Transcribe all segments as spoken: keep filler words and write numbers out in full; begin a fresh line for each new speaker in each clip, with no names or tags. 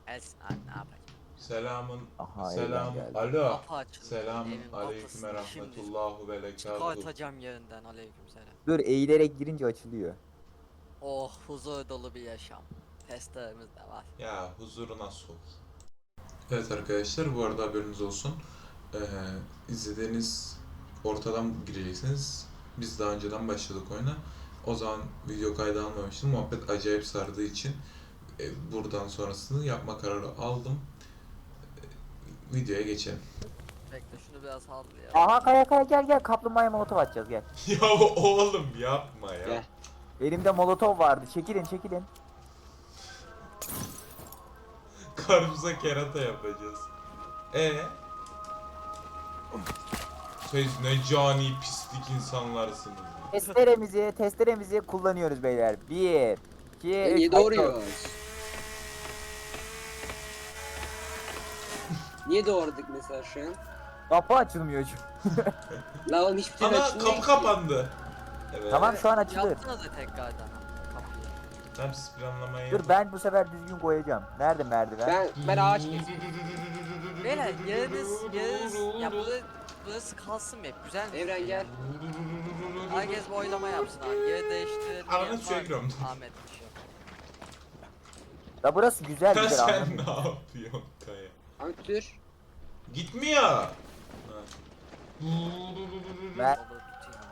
Gelsin abi ne yapacak?
Selamun
Aha,
selam
evden geldi.
alo.
Kapı açıldı.
Selamun
Evin
aleyküm ve
kapısını şimdi
rahmetullahu ve berekatuhu.
çıkartacağım yerinden aleyküm selam.
Dur, eğilerek girince açılıyor.
Oh huzur dolu bir yaşam. Testlerimiz de var.
Ya huzuruna sok. Evet arkadaşlar, bu arada haberiniz olsun. Ee, izlediğiniz ortadan gireceksiniz. Biz daha önceden başladık oyuna. O zaman video kaydı almamıştım. Muhabbet acayip sardığı için e, buradan sonrasını yapma kararı aldım. E, videoya geçelim.
Bekle şunu biraz sallı ya.
Aha, kaya kaya gel gel, kaplumbağaya molotov atacağız, gel.
Ya oğlum yapma ya.
Gel.
Elimde molotov vardı, çekilin çekilin.
Karımıza kerata yapacağız. E Siz ne cani pislik insanlarsınız.
Testeremizi testeremizi kullanıyoruz beyler. Bir, iki,
E,
üç.
niye doğruyoruz? Niye doğradık mesela şu an?
Kapı açılmıyor çünkü.
La oğlum hiçbir türlü
Ana
açılmıyor
kapı
ki.
kapandı. Evet.
Tamam, şu an açılır.
Yaptınız da tekrardan kapıyı.
Tamam, siz planlamayı
Dur,
yapın.
ben bu sefer düzgün koyacağım. Nerede merdiven?
Ben ben ağaç kestim.
Beyler yeriniz yeriniz ya burası, burası kalsın mı hep güzel mi?
Evren gel.
Herkes bir oylama yapsın abi. Yeri değiştirelim.
Ananı
diyen
suya
var mı?
giriyorum.
Ahmet bir şey.
Ya burası güzel
Ya
güzel,
sen
anladın
ne
mı?
yapıyorsun Kaya?
Abi tür.
Gitmiyor. Ha.
Ben
Olur tutayım.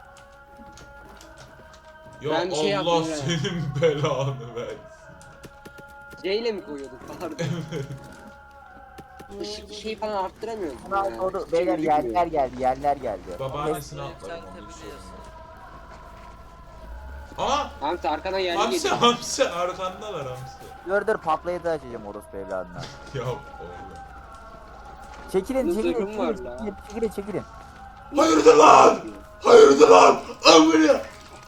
Ya
Ben bir şey
Allah
yaptım ya.
senin belanı versin.
C ile mi koyuyorduk? Pardon. Işık şey falan arttıramıyoruz.
Bunu al, doğru. Beyler, yerler geldi, yerler geldi.
Babaannesini
Bunu
atladım onu
yükseltebiliyorsun.
Aa!
Hamsi arkadan yerli
Hamsi
geliyor.
hamsi arkandalar hamsi.
Dur dur, patlayıcı açacağım orospu evladına.
Ya oğlum.
Çekilin
Bunun
çekilin
zırhım var
çekilin,
la.
çekilin çekilin çekilin.
Hayırdır lan? Hayırdır lan? Amına.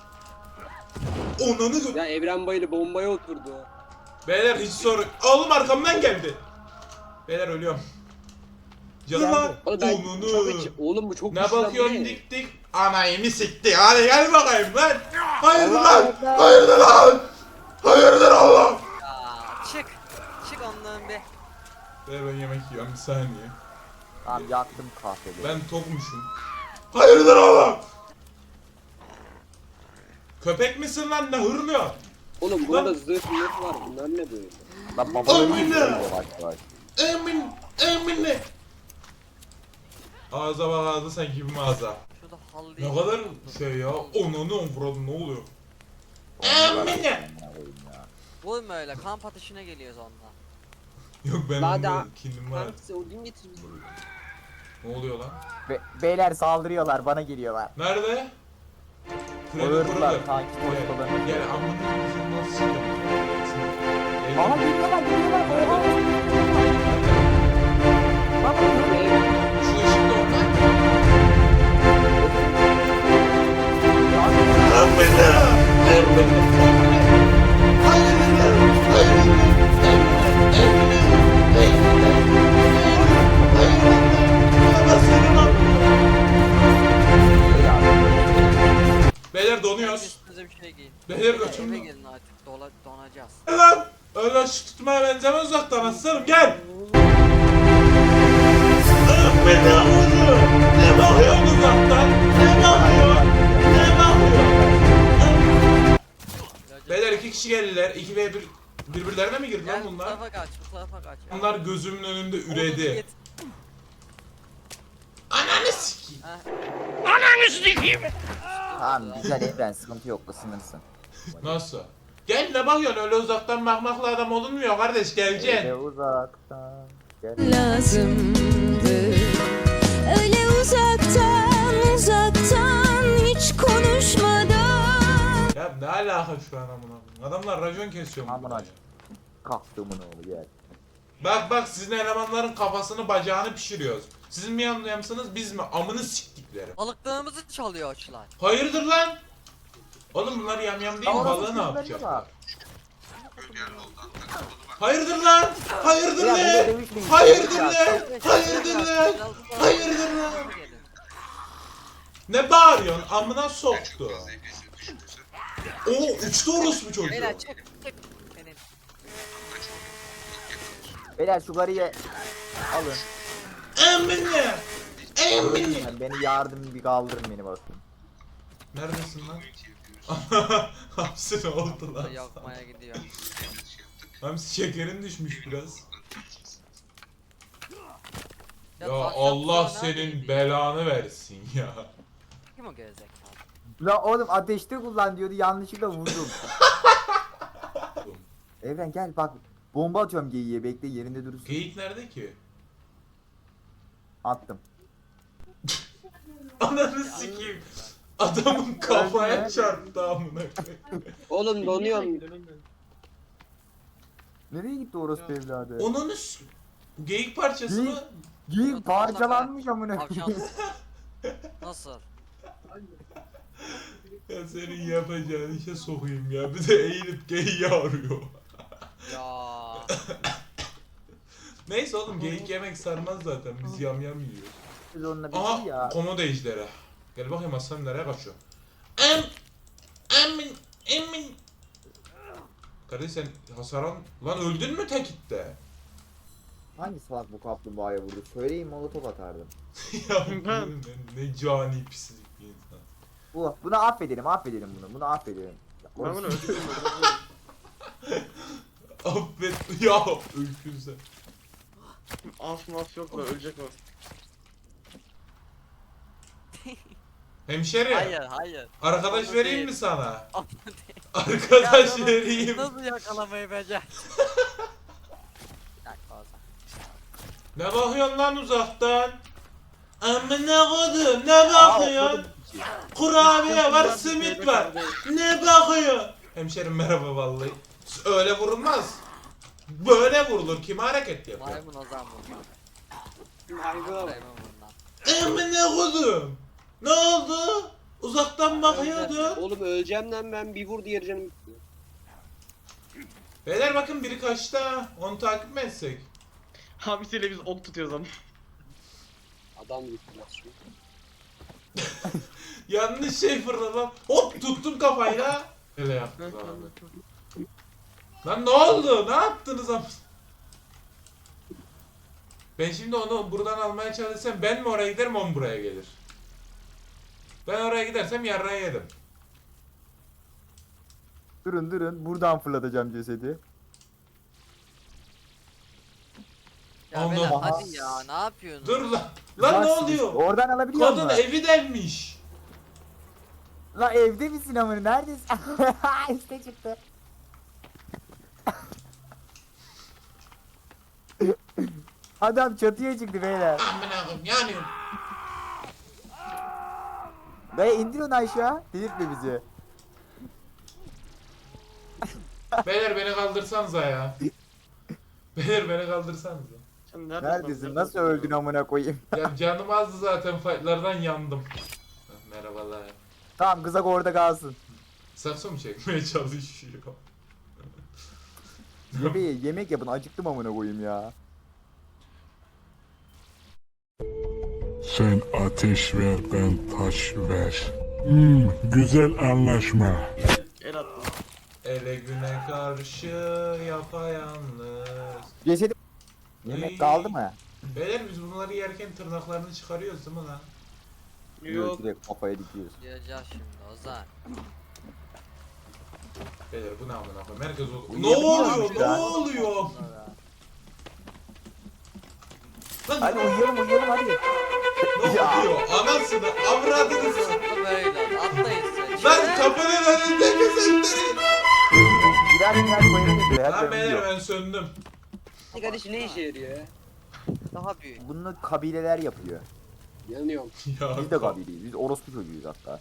Onanı gö...
Ya Evren Bayırı bombaya oturdu.
Beyler hiç sorun. Oğlum arkamdan geldi. Beyler ölüyorum. Canım
Geldi.
lan.
Oğlum ben çok
Onunu.
aç. Oğlum bu çok
Ne
güçlü lan, bu
bakıyorsun
ne?
dik dik? Anayımı sikti. Hadi gel bakayım lan. Hayırdır
Allah
lan?
Allah.
Hayırdır lan? Hayırdır Allah?
Ya çık. Çık ondan bir.
Ver ben yemek yiyorum bir saniye.
Tamam, yaktım kahveleri.
Ben tokmuşum. Hayırdır Allah? Köpek misin lan, ne hırlıyor?
Oğlum burada zırh mırh var. Bunlar ne böyle?
Lan baba
Aman
ölüyor,
ya.
yavaş yavaş.
Emin, emin ne? Ağza bak, ağza sanki bir mağaza.
Şurada halıyı.
Ne kadar şey ya, onunu vuralım, ne oluyor?
Onlar-
Emin ne?
Vurma öyle kamp ateşine geliyoruz ondan.
Yok ben
Daha
onda
da-
kindim var.
Hamsi odun getir bize.
Ne oluyor lan?
Be- beyler saldırıyorlar, bana geliyorlar.
Nerede?
Ağırdılar, kanki
Gel,
koşmalarını.
gel amına koyayım, nasıl sıkıyorum?
Aha, geliyorlar geliyorlar. Oha. Bak bak.
Şu ışıkta oradan. Beyler donuyoruz.
Üstünüze bir şey giyin.
Beyler
Eve
götürün.
gelin artık dola, donacağız.
Gel lan. Öyle şu tutmaya benzemez, uzaktan aslanım gel. Beni vuruyor. Ne bakıyorsun uzaktan? Ne bakıyor? Ne bakıyor? Beyler iki kişi geldiler. iki ve bir birbirlerine mi girdi lan
Gel bu
bunlar?
tarafa kaç, bu tarafa kaç. ya.
Bunlar gözümün önünde
Odunu
üredi.
git.
Ananı sikeyim.
Heh.
Tamam, güzel evren, sıkıntı yok, ısınırsın.
Nasıl? Gel, ne bakıyorsun, öyle uzaktan bakmakla adam olunmuyor kardeş,
Öyle
geleceksin.
uzaktan. Gel.
lazımdı. Öyle uzaktan uzaktan hiç konuşmadan.
Ya ne alaka şu an amına koyayım? Adamlar racon kesiyor mu?
Amına kalktığımın oğlu gel.
Bak bak, sizin elemanların kafasını bacağını pişiriyoruz. Sizin mi yanlayamışsınız, biz mi? Amını siktikleri.
Balıklarımızı çalıyor açılar.
Hayırdır lan? Oğlum bunlar yamyam değil mi? Balığı ne yapacak? Hayırdır lan? Hayırdır
Ya,
lan?
burada dövüşmeyin.
Hayırdır
Ya,
lan? Hayırdır lan? Hayırdır lan? Ne bağırıyorsun? Amına soktu. O uçtu orospu çocuğu.
Beyler çık çık. Senin.
Beyler şu garıyı alın.
Emine! Emine!
Yani beni yardım bir kaldırın beni bakayım.
Neredesin lan? Hamsi ne oldu lan?
Yakmaya gidiyor.
Hamsi şekerin düşmüş biraz. Ya,
ta-
Allah
tatlılar
senin
neredeydi?
belanı versin ya.
Kim o gerizekalı?
La oğlum ateşte kullan diyordu yanlışlıkla vurdum. Evren gel bak. Bomba atıyorum geyiğe bekle yerinde durursun.
Geyik nerede ki?
Attım.
Ananı sikeyim. Adamın kafaya
Öldü.
çarptı amına koyayım.
Oğlum donuyorum.
Nereye gitti orospu evladı?
Onun üst... Bu geyik parçası
Geyik.
mı?
Geyik parçalanmış amına.
Akşam. Nasıl?
Ya senin yapacağın işe sokayım ya. Bir de eğilip geyiği arıyor.
Ya.
Neyse oğlum geyik yemek sarmaz zaten. Biz yam yam yiyoruz.
Biz onunla bir
Aha
şey ya.
komodo ejderi. Gel bakayım aslanım nereye kaçıyor. Em emin emin. Kardeş sen hasar al... Lan öldün mü tekitte?
Hangi salak bu kaplumbağaya vurdu? Söyleyin molotof atardım.
Ya ne, ne cani pislik bir insan.
Bu, bunu affedelim affedelim bunu. Bunu affedelim.
Ben bunu öldürdüm.
Affet ya öykün sen.
Af maf yok da ölecek o.
Hemşeri.
Hayır hayır.
Arkadaş
Onu
vereyim
değil.
mi sana?
Onu değil.
Arkadaş
Ya,
vereyim.
Nasıl yakalamayı becer? Bir dakika o zaman.
Ne bakıyorsun lan uzaktan? Amına kodum ne bakıyorsun? Kurabiye var, simit var. Ne bakıyor? Hemşerim merhaba vallahi. Öyle vurulmaz. Böyle vurulur. Kim hareket yapıyor?
Maymun o zaman bundan.
Hayvan.
Maymun bundan.
Amına kodum. Ne oldu? Uzaktan bakıyordun.
Oğlum öleceğim lan ben bir vur diğer canım gitti.
Beyler bakın biri kaçta. Onu takip mi etsek?
Hamisiyle biz ok tutuyoruz ama.
Adam gitti lan şu.
Yanlış şey fırladım. Hop tuttum kafayla. Öyle yaptık abi. Lan ne oldu? Ne yaptınız am? Ben şimdi onu buradan almaya çalışsam ben mi oraya giderim o mu buraya gelir? Ben oraya gidersem yarrağı yedim.
Durun durun buradan fırlatacağım cesedi.
Ya
Allah.
beyler hadi ya ne yapıyorsun?
Dur lan. Lan ne
Bak,
oluyor?
Oradan alabiliyor
Kadın
musun?
evi delmiş.
La evde misin amına neredesin? İşte çıktı. Adam çatıya çıktı beyler.
Amına koyayım yanıyorum.
Dayı indir onu aşağı. Delirtme bizi.
Beyler beni kaldırsanıza ya. Beyler beni kaldırsanıza.
Sen neredesin?
Neredesin? Nasıl öldün amına koyayım?
Ya canım azdı zaten fightlardan yandım. Merhabalar.
Tamam kızak orada kalsın.
Sakso mu çekmeye çalışıyor?
Yemeği yemek yapın acıktım amına koyayım ya.
Sen ateş ver, ben taş ver. Hmm, güzel anlaşma.
El attım.
Ele güne karşı yapayalnız.
Cesedi yemek kaldı mı?
Beyler biz bunları yerken tırnaklarını çıkarıyoruz değil mi lan?
Yok.
Direkt kafaya dikiyoruz.
Gireceğiz şimdi Ozan.
Beyler bu ne amına koyayım? Herkes o... Ne
Uyuyabiliyor
oluyor?
muyuz
Ne
ya?
oluyor? Lan
Hadi
ne
uyuyalım uyuyalım hadi.
oluyor? Anasını, avradını s-
Nasıl böyle oldu? Atlayın size.
Lan kapının önünde mi sektirin?
Birer birer koyalım buraya.
Lan
Hadi
beyler
uyuyor.
ben söndüm.
Kardeş ne işe yarıyor ya?
Daha büyük.
Bunu kabileler yapıyor.
Yanıyorum.
Ya
Biz de kabileyiz. Biz orospu çocuğuyuz hatta.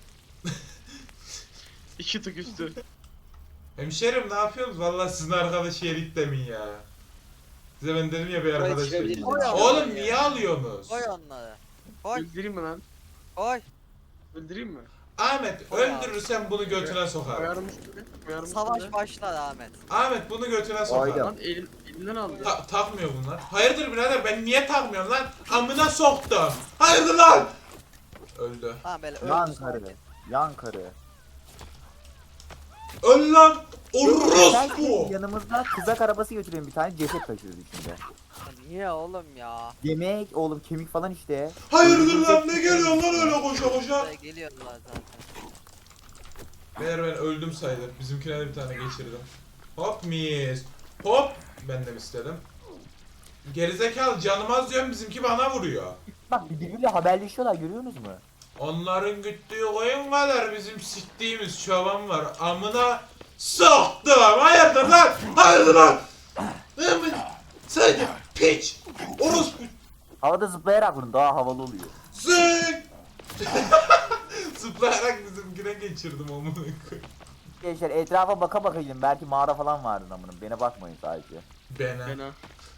İki tık üstü.
Hemşerim ne yapıyorsunuz? Vallahi sizin arkadaş yerik demin ya. Size ben dedim ya bir arkadaş
çıkabiliriz.
yerik.
Oy Allah
Oğlum
ya.
niye alıyorsunuz?
Koy onları. Koy
Öldüreyim mi lan?
koy.
Öldüreyim mi?
Ahmet
Oy abi.
öldürürsen bunu götüne sokar.
Koyarım üstüne. Koyarım
Savaş
üstüne.
başlar Ahmet.
Ahmet bunu götüne sokar.
Aynen.
Lan elim, elimden aldı.
Ta- takmıyor bunlar. Hayırdır birader ben niye takmıyorum lan? Amına soktum. Hayırdır lan? Öldü.
Tamam böyle
Yan
öldü.
karı. Yan karı.
Öl lan. Orospu!
Yanımızda kızak arabası götürelim bir tane ceset taşıyoruz içinde.
Ya niye oğlum ya?
Yemek oğlum kemik falan işte.
Hayırdır lan, ne geliyor lan öyle koşa koşa?
Buraya geliyorlar zaten.
Meğer ben öldüm sayılır. Bizimkine de bir tane geçirdim. Hop mis. Hop. Ben de istedim. Gerizekalı canım az diyorum, bizimki bana vuruyor.
Bak birbiriyle haberleşiyorlar görüyorsunuz mu?
Onların güttüğü koyun kadar bizim siktiğimiz çoban var. Amına soktum. Hayırdır lan? Hayırdır lan? Hemen sen piç. Orospu.
Havada zıplayarak vurun daha havalı oluyor.
Sık. Zıplayarak bizimkine geçirdim amına koyayım.
Gençler etrafa baka baka gidin belki mağara falan vardır amınım. Bana bakmayın sadece.
Bana.
Fena.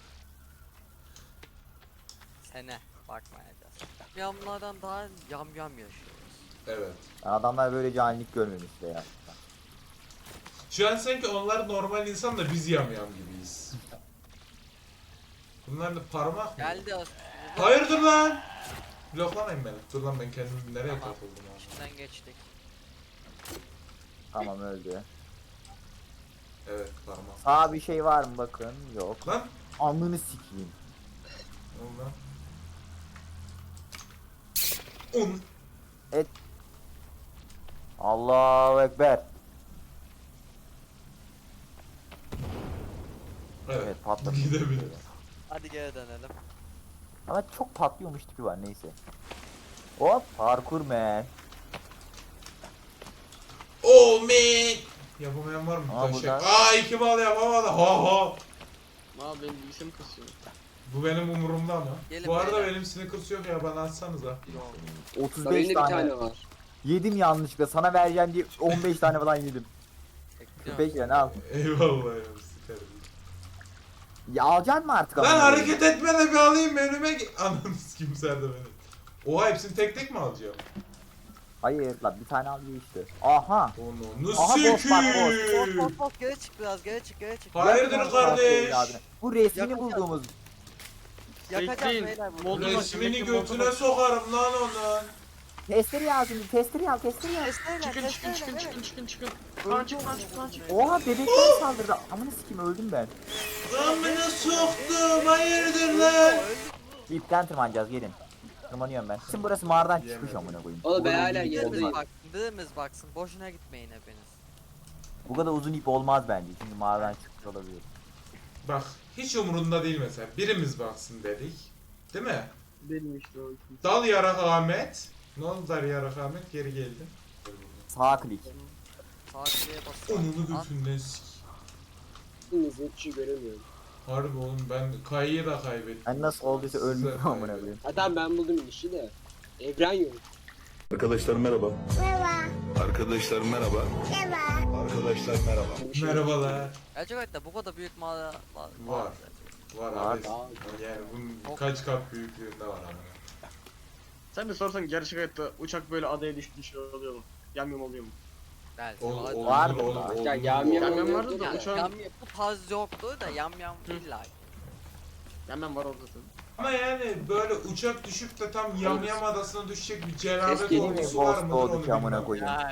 Sene bakmayacağız. Yamlardan daha yam yam yaşıyoruz.
Evet.
Adamlar böyle canilik görmemişler ya.
Şu an sanki onlar normal insan da biz yamyam gibiyiz. Bunlar da parmak mı?
Geldi o.
Hayırdır lan? Bloklamayın beni. Dur lan, ben kendim nereye
Tamam.
takıldım abi.
İçinden geçtik.
Tamam öldü.
Evet, parmak.
Sağ bir şey var mı bakın yok.
Lan.
Alnını sikeyim.
Ne oldu lan? Un.
Allahu Ekber.
Evet.
Evet patladı.
Gidebilir.
Hadi geri dönelim.
Ama çok patlıyormuş tipi var neyse. Hop parkur man.
Oh man. Yapamayan var mı?
Aa,
Taşak.
burada.
Aa, iki bal yapamadı. Ha ha.
Abi benim bilgisayarım kasıyor.
Bu benim umurumda ama.
Gelin
Bu arada
beyler.
benim Snickers yok ya, bana atsanıza.
Yok.
otuz
Benim
beş
de bir
tane.
tane var.
Yedim yanlışlıkla sana vereceğim diye on beş tane falan yedim.
Bekliyorum.
Peki yani al.
Eyvallah ya, sikerim.
Ya alacaksın mı artık?
Lan
amına koyayım?
hareket etme de bir alayım önüme. ge- Ananı sikeyim sen de beni. Oha, hepsini tek tek mi alacağım?
Hayır lan bir tane al işte. Aha.
Onu
Aha, boş bak, boş.
Bot
sikeyim.
bot bot geri çık biraz geri çık geri çık.
Hayırdır
Yakın
kardeş?
abi. Bu resmini
Yakın-
bulduğumuz.
Yakacağız
Bekleyin.
beyler bunu.
Moldu-
Resmini götüne sokarım lan onun.
Testleri al şimdi testleri al testleri al.
Testeyle
Çıkın çıkın çıkın
testeyle
çıkın çıkın çıkın. Lan çık lan çık lan çık.
Oha bebekler saldırdı. Amına sikeyim öldüm ben.
Amına soktum, hayırdır lan?
İpten tırmanacağız gelin. Tırmanıyorum ben. Şimdi burası mağaradan çıkmış
Yemedim.
amına koyayım.
Oğlum ben
Burada
hala
uzun ip
yerdeyim.
Birimiz
olmaz.
baksın birimiz baksın boşuna gitmeyin hepiniz.
Bu kadar uzun ip olmaz bence. Çünkü mağaradan çıkmış olabilir.
Bak, hiç umurunda değil mesela. Birimiz baksın dedik. Değil mi?
Benim işte o.
Dal yarak Ahmet. Ne oldu dal yarak Ahmet? Geri geldi.
Sağ klik.
Saatliğe basın.
Onunu
Lan,
götünden sik.
Hepinizi hiç şey göremiyorum.
Harbi oğlum, ben Kayı'yı da kaybettim.
Ben nasıl olduysa
Sizler
ölmüşüm amına
kaybettim.
koyayım.
Adam ben buldum işi de. Evren yok.
Arkadaşlar merhaba. Merhaba. Arkadaşlar merhaba. Merhaba. Arkadaşlar merhaba.
Bir şey yok.
Merhabalar.
gerçekten bu kadar büyük mağara var.
Var. Var
Var.
abi. Yani bunun kaç kat büyüklüğünde var ama.
Sen de sorsan gerçek hayatta uçak böyle adaya düştüğü şey oluyor mu? Yamyam oluyor mu?
Belki
Ol,
var.
olur,
Var
olur,
mı?
olur,
Ya
olur.
yam yam
Yam yam
oluyordu
vardı da
da.
uçağın-
Yam, bu tarz yoktu da yam yam illa.
Yamyam var orada zaten.
Ama yani böyle uçak düşüp de tam yamyam adasına düşecek bir cenabet
Keşke değil
mi?
olgusu var
Ghost
mıdır
olduk
onu
ya, amına
bilmem.
koyayım.
Yani.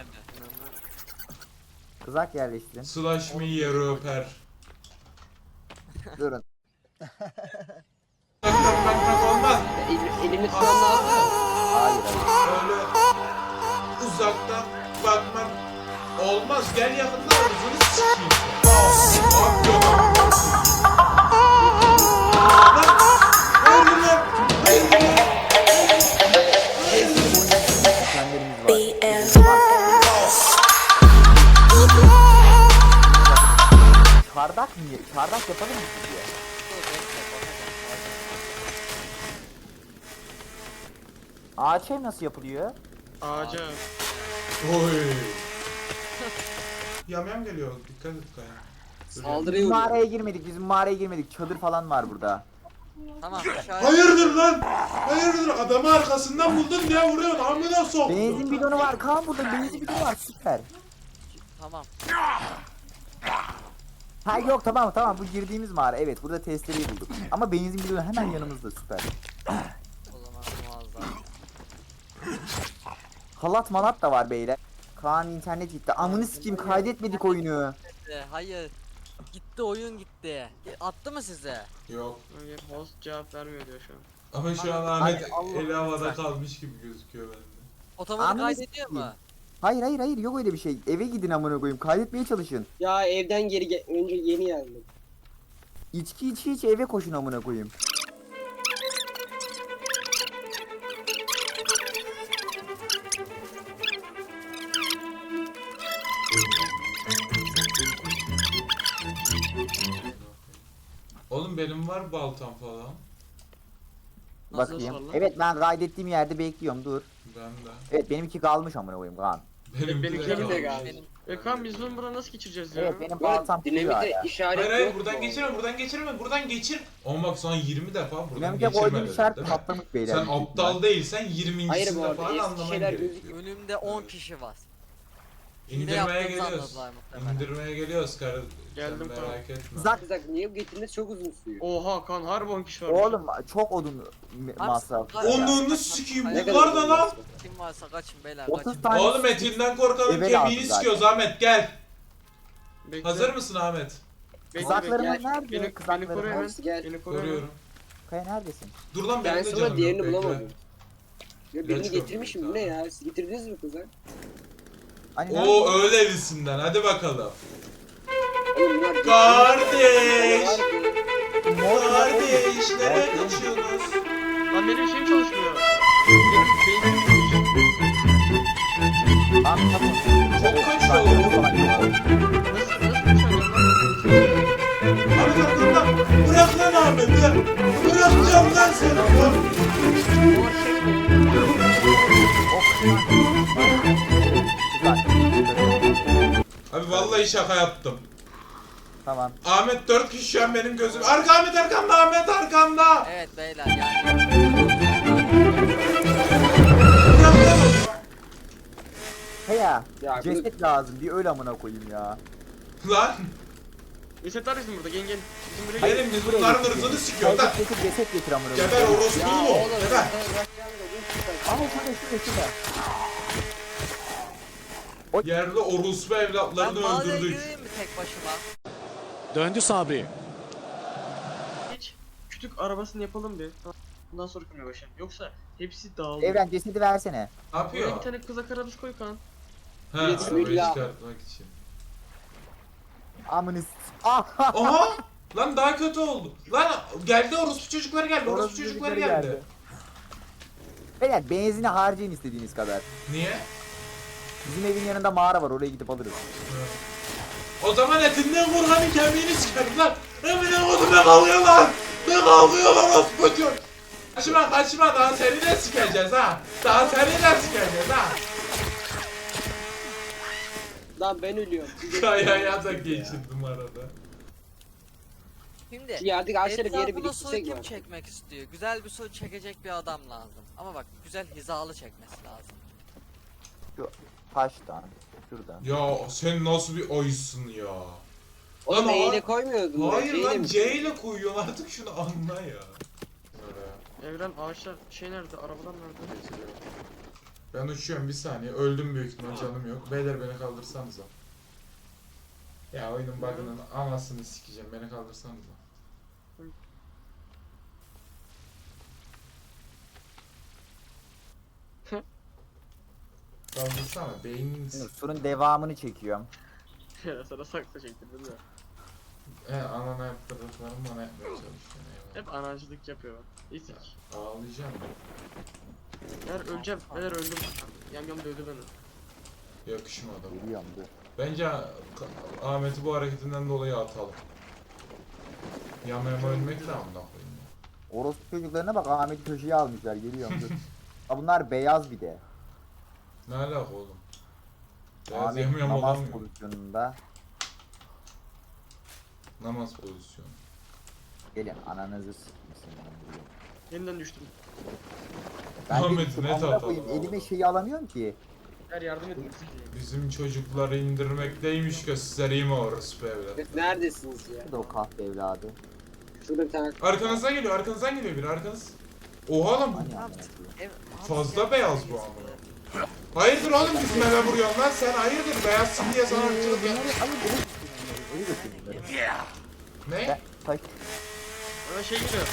Kızak yerleştirin.
Slash me yeri öper.
Durun.
Tak tak tak tak olmaz.
El, elimi tutan lazım.
Hayır hayır.
Öyle uzaktan bakmak olmaz. Gel yakından ağzını sikeyim. Abi yok. Lan, hayırdır lan? Hayırdır lan?
Kendilerimiz var. Çardak mı? Çardak yapalım mı diye.
Dur, bekle, bakacağım.
Ağaç ev nasıl yapılıyor?
Ağaca.
Oy. Yamyam geliyor. Dikkat et Kaya.
Saldırıya
Biz
uğruyor.
mağaraya girmedik. Bizim mağaraya girmedik. Çadır falan var burada.
Tamam aşağıya.
Hayırdır lan? Hayırdır? Adamı arkasından buldun diye vuruyorsun. Amına sok.
Benzin bidonu var. Kaan burada benzin bidonu var. Süper.
Tamam.
Ha yok tamam tamam bu girdiğimiz mağara. Evet burada testereyi bulduk. Ama benzin bidonu hemen yanımızda süper.
O zaman muazzam.
Halat malat da var beyler. Kaan internet gitti. Amını sikeyim kaydetmedik oyunu.
gitti. Hayır. Gitti oyun gitti. Attı mı size?
Yok.
Hayır, host cevap vermiyor diyor şu an.
Ama şu an
Ay,
Ahmet
Allah
eli havada
lütfen.
kalmış gibi gözüküyor bende.
Otomatik
Ananı
kaydediyor mu?
sikeyim. Hayır hayır hayır yok öyle bir şey. Eve gidin amına koyayım. Kaydetmeye çalışın.
Ya evden geri ge- önce yeni geldim.
İçki içi içi eve koşun amına koyayım.
Oğlum benim var baltam falan.
Nasıl
Bakayım.
sorun?
Evet ben kaydettiğim yerde bekliyorum dur.
Ben de.
Evet benimki kalmış amına koyayım Kaan.
Benim
benimki
de
de
kalmış.
kalmış.
Benim
E kan biz bunu buradan nasıl geçireceğiz ya?
Evet benim
Bu
baltam
arada
kuruyor
dinamite
hala.
işaret
Hayır hayır
yok
buradan
mu?
geçirme buradan geçirme buradan geçir. Ama bak sana yirmi defa buradan
Dinamite
geçirme
koyduğum
dedim,
işaret
değil mi?
patlamış beyler.
Sen
büyük ihtimal.
aptal değilsen
Hayır bu
yirmincisinde
arada
falan
eski
anlaman
şeyler
gerekiyor.
önümde on kişi var. Hile
İndirmeye
yaptığınızı
geliyoruz.
anladılar muhtemelen.
İndirmeye geliyoruz karı.
Geldim,
Sen
tamam.
merak etme.
Zak
Bir dakika niye bu getirmesi çok uzun sürüyor?
Oha kan harbi on kişi var.
oğlum çok odun
Abi,
masrafı.
Onu-
ya.
Onunu sikeyim
Ne
kadar
bunlar da
uzun
lan.
masraf?
Kim varsa kaçın beyler
otuz
kaçın.
tane
Oğlum etinden korkanın
Eve
kemiğini
lazım zaten.
sikiyoruz Ahmet gel.
Bekle.
Hazır mısın Ahmet?
Bekle,
Kızaklarımız
bekle.
nerede?
Beni, beni
Kızaklarım
koru hemen.
Hepsi gel.
Beni koru hemen.
Koruyorum.
Kaya neredesin?
Dur lan
Ben
benim de
sonra
canım
diğerini
yok, bekle.
bulamadım. Ya birini
Geç
getirmişim bu ne
kapıyı,
ya? Siz getirdiniz mi kızak?
Hani nerede?
Oo öyle elisinden hadi bakalım.
Oğlum bunlar
Kardeş!
Mor ya,
Kardeş
oğlum.
nereye
Mor,
kaçıyorsunuz?
Lan benim şeyim çalışmıyor. Benim beynim çalışmıyor.
Lan tamam.
Çok kaçıyor oğlum.
Nasıl, nasıl uçamıyorum lan?
Ahmet arkamdan. Bırak lan Ahmet'i. Bırakacağım lan seni. Abi vallahi şaka yaptım.
Tamam.
Ahmet dört kişi şu an benim gözüm. Arka Ahmet arkamda Ahmet arkamda.
Evet beyler yani.
Bırak lan onu.
Heya.
Ya bu-
Ceset lazım. Bir öl amına koyayım ya.
Lan
Ceset var bizim burada gel gel. Bizim buraya gel.
benim biz bunların hırsını sikiyor lan.
Ceset getir ceset getir amına koyayım.
Geber orospu
Ya
mu?
oğlum
Geber.
bırak ya, bu kızak.
Ama şurada şurada şurada.
Yerde orospu
Ben
evlatlarını
mağaraya
öldürdük.
gireyim mi tek başıma?
Döndü Sabri.
Hiç kütük arabasını yapalım bir. Bundan sonra kurmaya başlayalım. Yoksa hepsi dağılıyor.
Evren cesedi versene.
Ne
Buraya
yapıyor?
bir tane kızak arabası koy kan.
He
Bir de
arabayı
silah.
çıkartmak için.
Amınız. Ah!
Aha! Lan daha kötü oldu. Lan geldi orospu çocukları geldi. Orospu
Orospu
çocukları
çocukları
geldi.
geldi. Beyler benzini harcayın istediğiniz kadar.
Niye?
Bizim evin yanında mağara var oraya gidip alırız.
O zaman etinden korkanın kemiğini sikerim lan. Emine kodu ne kalıyor lan? Ne kalıyor lan orospu çocuk? Kaçma kaçma daha seni de sikeceğiz ha. Daha seni de sikeceğiz ha.
Lan ben ölüyorum. Siz
Kayaya da geçirdim arada.
Şimdi
Şu yerdeki ağaçları bir yere
etrafına soy
biriktirsek
kim
mi?
çekmek istiyor? Güzel bir soy çekecek bir adam lazım. Ama bak güzel hizalı çekmesi lazım.
Taştan. Şuradan.
Ya sen nasıl bir oysun ya?
Oğlum
Lan
E
o-
ile koymuyordun. ya,
Hayır
C ile
lan
mi?
C ile koyuyorsun artık şunu anla ya.
Evren ağaçlar şey nerede? Arabalar nerede?
Ben uçuyorum bir saniye. Öldüm büyük ihtimal canım yok. Beyler beni kaldırsanıza. Ya oyunun bug'ının anasını sikeceğim. Beni kaldırsanıza. Kaldırsana beynin
Şimdi surun devamını çekiyorum.
Ya sana sakla çektirdim ya.
He anana yaptırdıklarım bana yapmaya çalışıyor. Eyvallah.
Hep anacılık yapıyor. İtik.
Ağlayacağım.
Eğer öleceğim. Eğer öldüm. Yam yam dövdü beni.
Yakışmadı.
Geliyorum dur.
Bence Ka- Ahmet'i bu hareketinden dolayı atalım. Yama yama ölmek de amına koyayım ya.
Orospu çocuklarına bak Ahmet'i köşeye almışlar geliyorum dur. Ha bunlar beyaz bir de.
Ne alaka oğlum? Beyaz
Ahmet
yama yama
namaz
olamıyor.
pozisyonunda.
Namaz pozisyonu.
Gelin ananızı s**mesin.
Yeniden düştüm.
Ben de
Ahmet,
gittim,
ne
amına
tat
koyayım,
adam
elime
oğlum.
şeyi alamıyorum ki.
Eğer yardım edin.
Bizim çocukları indirmekteymiş göstereyim orospu evlat.
Siz neredesiniz ya?
Şurada o kahpe evladı.
Şurada bir tane
Arkanızdan geliyor, arkanızdan geliyor biri, arkanız. Oha lan bu
Hani amına koyayım.
Ev,
fazla beyaz bu amına. Hayırdır oğlum bizim eve vuruyorsun lan sen hayırdır beyazsın diye sana ırkçılık yap.
Bunları- Hayır, bu- Koyu götürün bunları.
Ne?
Ben taş.
Bana şey geliyor.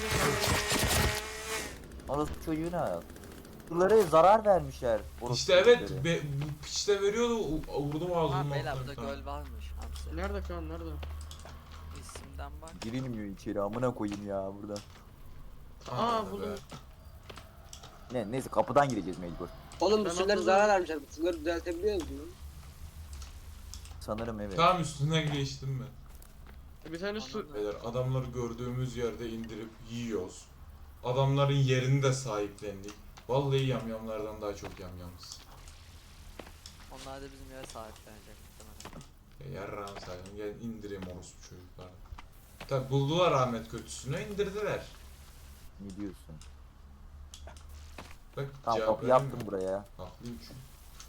Orası çocuğuna. Bunlara zarar vermişler. Orası
İşte evet
çocukları.
be, bu piçte veriyordu u- vurdum
Ha
ağzımdan.
beyler burada göl varmış. Hamsi.
Nerede kan nerede?
İsimden bak.
Girilmiyor içeri amına koyayım ya burada.
Aa buldum.
Ne neyse kapıdan gireceğiz mecbur.
Oğlum bu
Ben
surları
atladım.
zarar vermişler. Bu surları düzeltebiliyor musun?
Sanırım evet.
Tamam üstünden geçtim ben.
Bir tane su...
Beyler adamları gördüğümüz yerde indirip yiyoruz. Adamların yerini de sahiplendik. Vallahi yamyamlardan daha çok yamyamız.
Onlar da bizim yere sahiplenecek muhtemelen.
Ya yarrağım saydım gel indireyim orospu çocukları. Tabi buldular Ahmet kötüsünü indirdiler.
Ne diyorsun?
Bak
Tamam
cevap
kapı
veremiyor.
yaptım buraya.
Haklıyım çünkü.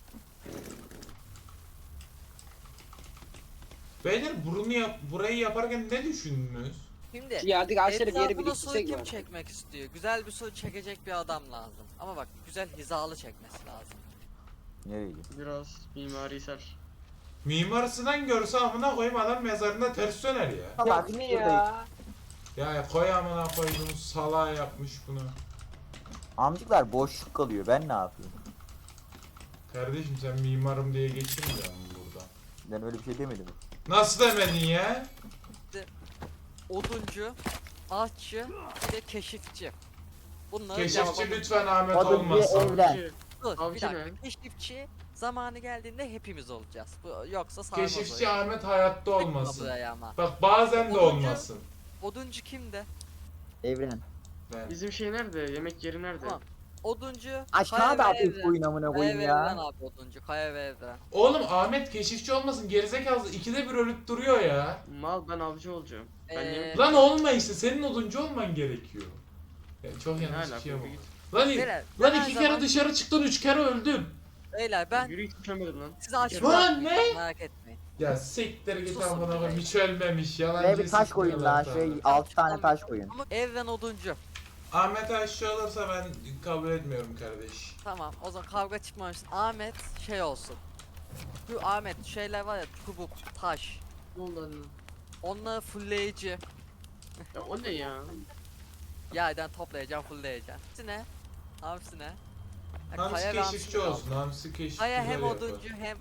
Beyler bunu yap burayı yaparken ne düşündünüz?
Şimdi
Şu yerdeki ağaçları bir yere
etrafına suyu
biriktirsek
kim
mi?
çekmek istiyor? Güzel bir su çekecek bir adam lazım. Ama bak güzel hizalı çekmesi lazım.
Nereye?
Biraz mimarisel.
Mimarısından görse amına koyayım adam mezarında ters döner ya.
Salak
Ya bu ne
şurada.
ya?
Ya koy amına koyduğum salağa yapmış bunu.
Amcıklar boşluk kalıyor ben ne yapayım?
Kardeşim sen mimarım diye geçirmiyor musun burada?
Ben öyle bir şey demedim.
Nasıl demedin ya?
Oduncu, ağaççı, bir de keşifçi. Bunları
Keşifçi lütfen Ahmet
Adı bir
olmasın.
evlen.
Avcı.
Dur, bir
Avcı
dakika.
ne?
Keşifçi zamanı geldiğinde hepimiz olacağız. Bu yoksa sarmaz
Keşifçi
o.
Ahmet hayatta
Tıkma
olmasın.
buraya ama.
Bak bazen de
Oduncu-
olmasın.
Oduncu kimde?
Evren.
Ben.
Bizim şey nerede? Yemek yeri nerede?
Tamam. Oduncu,
Aşağı
Kaya
da
ve
atayım
Evren.
koyun amına
Kaya
koyayım
ve
ya.
Evren abi oduncu, Kaya ve Evren.
Oğlum Ahmet keşifçi olmasın gerizekalı ikide bir ölüp duruyor ya.
Mal ben avcı olacağım. Ben
Ee,
yemek...
Lan olma işte senin oduncu olman gerekiyor. Ya çok
Ne
yanlış bir
alaka,
şey
bir
oldu.
git.
Lan,
Beyler,
lan
ben
iki
her
kere
zaman-
dışarı çıktın üç kere öldüm.
Beyler ben
Yürü hiç düşemedim lan.
size aç
Lan
bırakmayacağım,
ne?
merak etmeyin.
Ya siktir git
Susun
amına koyayım
be.
hiç ölmemiş yalancı
Şuraya bir taş koyun lan.
sikmiyorlar
Şuraya
sana.
altı tane taş koyun.
Ama Evren oduncu.
Ahmet aşağı olursa ben kabul etmiyorum kardeş.
Tamam o zaman kavga çıkmamışsın. Ahmet şey olsun. Şu Ahmet şeyler var ya çubuk, taş.
Ne oldu anne?
Onları fullleyici.
Ya o ne ya?
Yerden toplayacağım, fullleyeceğim. Hepsi ne? Hepsi ne? Ya
Hamsi
Kaya ve
keşifçi
Hamsi
olsun. Hamsi keşifçi
Kaya hem
güzel yapar.
oduncu hem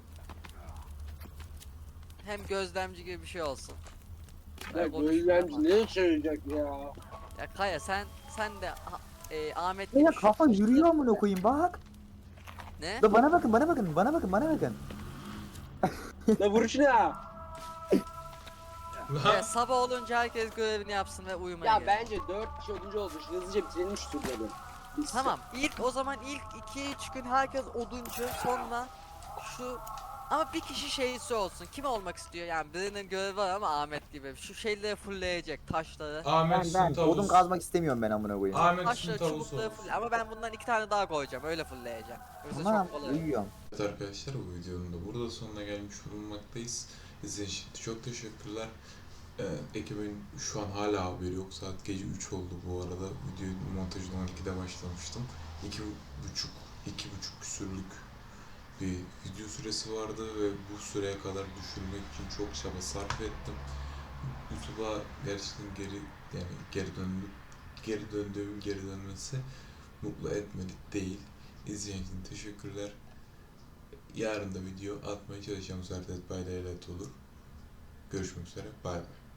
hem gözlemci gibi bir şey olsun.
Ya
Ben konuşmuyorum
gözlemci
ama.
ne söyleyecek ya?
Ya Kaya sen sen de ha- e, Ahmet
Ya
gibi
kafa
şu-
yürüyor amına koyayım bak.
Ne?
Da bana bakın bana bakın bana bakın bana bakın.
La vuruş ne ya?
Lan
Evet, sabah olunca herkes görevini yapsın ve uyumaya
Ya
gelsin.
bence dört kişi oduncu olmuş. Hızlıca bitirelim şu turları. Biz-
Tamam ilk o zaman ilk iki üç gün herkes oduncu sonra şu ama bir kişi şeyisi olsun. Kim olmak istiyor yani birinin görevi var ama Ahmet gibi şu şeyleri fullleyecek taşları.
Ahmet
Ben
Sun
ben
tavus.
odun kazmak istemiyorum ben amına koyayım.
Ahmet Sun
Taşları
tavus
çubukları
olsun.
full ama ben bundan iki tane daha koyacağım öyle fullleyeceğim. Yoksa
Tamam
çok kolay.
uyuyorum.
Evet arkadaşlar bu videonun da burada sonuna gelmiş bulunmaktayız. İzlediğiniz için çok teşekkürler. Ee, ekibin şu an hala haberi yok. Saat gece üç oldu bu arada. Video montajına on ikide başlamıştım. iki buçuk, iki buçuk küsürlük bir video süresi vardı ve bu süreye kadar düşürmek için çok çaba sarf ettim. YouTube'a gerçekten geri yani geri döndüm. Geri döndüğüm geri dönmesi mutlu etmedi değil. İzlediğiniz için teşekkürler. Yarın da video atmaya çalışacağım. Zaten Dead by Daylight olur. Görüşmek üzere. Bay bay.